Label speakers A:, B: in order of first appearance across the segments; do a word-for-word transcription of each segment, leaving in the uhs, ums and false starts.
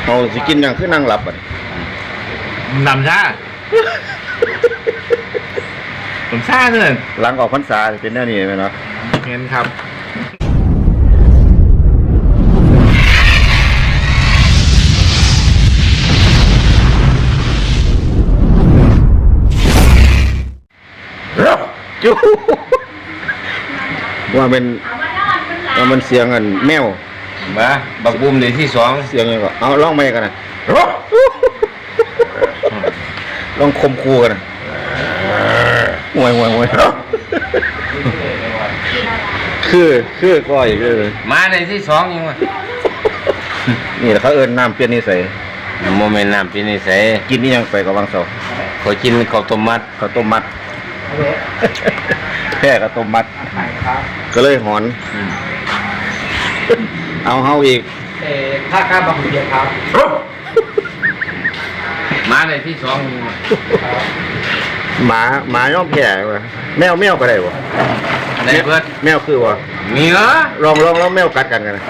A: เอาสิกินอย่างคือนั่งหลับอ่ะ
B: นำชาผมชาเนี่ย
A: หลังออกพรรษาเป็นแน่นี่ไหมเนาะ
B: เห็นครับ
A: จูว่าเป็นว่ามันเสียงอันแมว
B: มาบักบุมในที่สอง
A: เสียงยังก็เอาลองไม่กันนะลองคมคูกันนะห่วยห่วยห่วยคือคือก้อยคือ
B: มาในที่สองยังวะ
A: นี่แหละเขาเอิ้นน้ำเปลี่ยนนิสัย
B: โมเมนต์น้ำปีนิสัย
A: กินนี่ยังไปกับวังเสา
B: ขอกินข้าวต้มมัด
A: ข้าวต้มมัดแค่ข้าวต้มมัดก็เลยหอนเอาเฮาอีก
C: ถ้ากล้าบังเดียครับ
B: มาในที่สองยังวะ
A: หมาหมาย่อมแก่วะแมวแมวก็ได้วะ
B: ในเพื่อน
A: แมวคือวะ
B: มีเหรอ
A: ลองลองลองแมวกัดกันกันนะ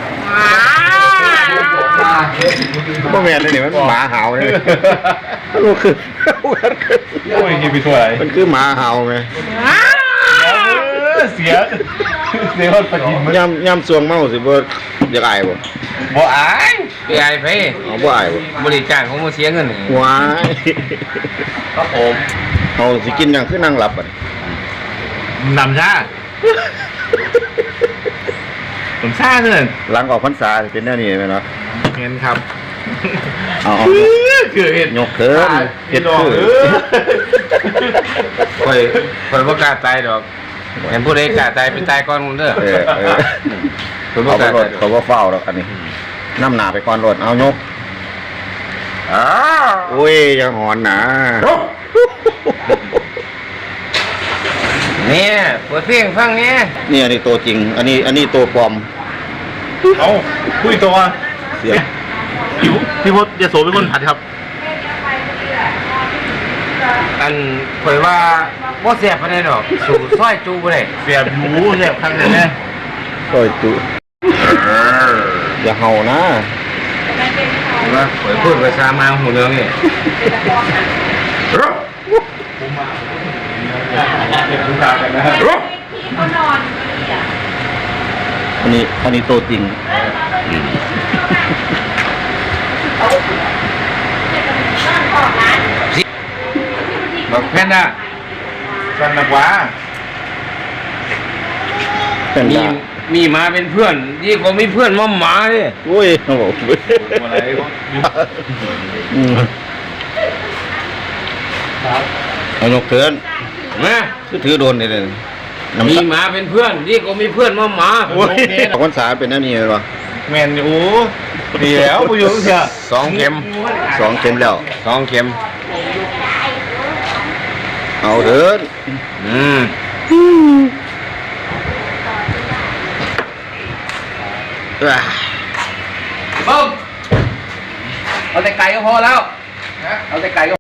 A: บ่แม่นเลยนี่มันหมาเห่าเลยมันคือ
B: โอ้ยกินไปทั่วไหน
A: มันคือหมาเห่าไง
B: เสียเสียคนปฏิบัติ
A: ย่ำย่ำสวงเมาสิบ่อยากอายบ่
B: บ่อายไปอายไป
A: เอาบ่อายบ่
B: บริจาคของมาเสียเงิน
A: ว้าย
B: ครับผม
A: เอาสิกินอย่างคือนั่งหลับอ่ะ
B: นำชาผมชาเนี่ย
A: หลังออกพรรษาเป็นแน่นี่ไหมเนาะ
B: เห็นครับ
A: เอาเอา
B: คือเห็น
A: ยกเขินเฮ็ดคือ
B: คอยคอยบ่กล้าตายดอกเห็นผู้ใดกล้าตายไปตายก่อนมึงเด้อ
A: เออเออ
B: คอยบ่
A: เขา
B: กล้า
A: บ่ร
B: ตา
A: ถ
B: ย
A: เขาบ่เฝ้าดอกอันนี้น้ำหนาไปก่อนรถเอายก
B: อ้า
A: โอ้ยยังหอนหนา
B: เนี่ยเปิดเพลงฟังเนี่ย
A: นี่อันนี้ตัวจริง อันนี้อันนี้ตัวปลอม
C: เอาคุยตัว
A: เสีย
C: พี่พี่พศยโสเป็นคนผัดครับ
B: อันคอยว่าบ่แซ่บปานใดดอกสู่ซอยจูบ่ได้
C: เสียบหมูเสียบข้างในแน่
A: โอ้ยตุอย่าเห่านะ
B: ว่าคอยพูดภาษามาหูเรื่องนี่
A: อันนี้อันนี้ตัวจริง
B: บอกแพนด้า
C: กันนักว่า
A: เป็น
B: มี
A: ดา
B: มีหมาเป็นเพื่อนดีกว่ามีเพื่อนมาหมาเด้
A: โอ้ยโอ้โห
C: อะไรก็
A: อืมเอายกเถิน
B: นะ
A: คือถือโดนนี่เลย
B: มีหมาเป็นเพื่อนดีกว่ามีเพื่อนมาหมา
A: โอ้ยออกพรรษาเป็นนั่นนี่เลยวะ
C: แมนโอ้ดีแล้วประโยชน์เสีย
B: สองเข็ม
A: สองเข็มแล้ว
B: สองเข็ม
A: เอาเถิน
B: อืม
A: อ่า
B: ปุ๊บเอาแต่ไก่ก็พอแล้วเอาแต่ไก่ก็